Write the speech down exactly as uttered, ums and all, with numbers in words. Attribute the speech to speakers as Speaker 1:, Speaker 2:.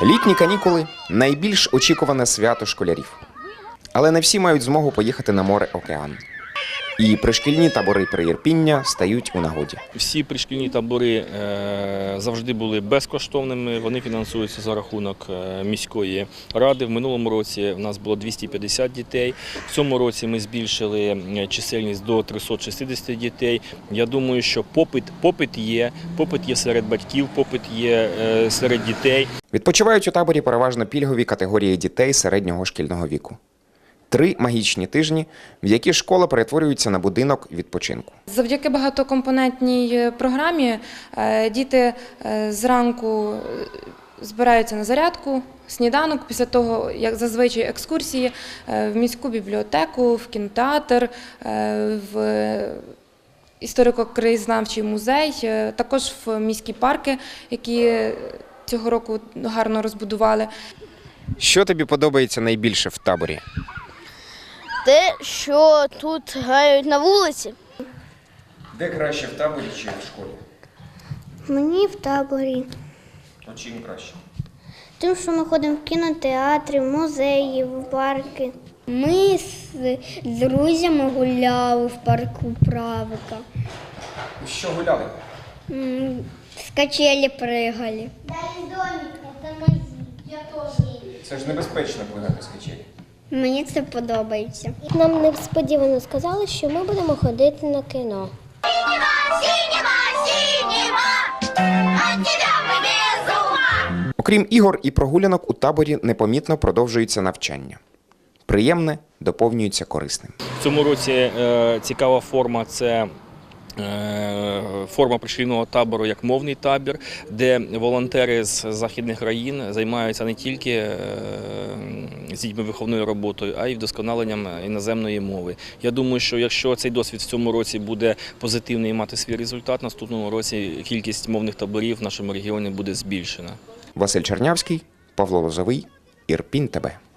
Speaker 1: Літні канікули – найбільш очікуване свято школярів. Але не всі мають змогу поїхати на море-океан. І пришкільні табори при Ірпіння стають у нагоді.
Speaker 2: Всі пришкільні табори завжди були безкоштовними, вони фінансуються за рахунок міської ради. В минулому році в нас було двісті п'ятдесят дітей, в цьому році ми збільшили чисельність до трьохсот шістдесят дітей. Я думаю, що попит, попит є, попит є серед батьків, попит є серед дітей.
Speaker 1: Відпочивають у таборі переважно пільгові категорії дітей середнього шкільного віку. Три магічні тижні, в які школа перетворюється на будинок відпочинку.
Speaker 3: Завдяки багатокомпонентній програмі діти зранку збираються на зарядку, сніданок, після того, як зазвичай екскурсії в міську бібліотеку, в кінотеатр, в історико-краєзнавчий музей, також в міські парки, які цього року гарно розбудували.
Speaker 1: Що тобі подобається найбільше в таборі?
Speaker 4: Те, що тут грають на вулиці.
Speaker 1: Де краще, в таборі чи в школі?
Speaker 5: Мені в таборі.
Speaker 1: А чим краще?
Speaker 5: Тим, що ми ходимо в кінотеатри, в музеї, в парки.
Speaker 4: Ми з друзями гуляли в парку Правика.
Speaker 1: Що гуляли?
Speaker 4: З качелі пригали.
Speaker 1: Це ж небезпечно плигати з качелі.
Speaker 4: Мені це подобається.
Speaker 5: Нам несподівано сказали, що ми будемо ходити на кіно.
Speaker 1: Окрім ігор і прогулянок, у таборі непомітно продовжується навчання. Приємне доповнюється корисним.
Speaker 2: В цьому році е, цікава форма – це е, форма пришкільного табору як мовний табір, де волонтери з західних країн займаються не тільки е, з дітьми виховною роботою, а й вдосконаленням іноземної мови. Я думаю, що якщо цей досвід в цьому році буде позитивний і мати свій результат, в наступному році кількість мовних таборів в нашому регіоні буде збільшена.
Speaker 1: Василь Чернявський, Павло Лозовий, Ірпінь ТВ.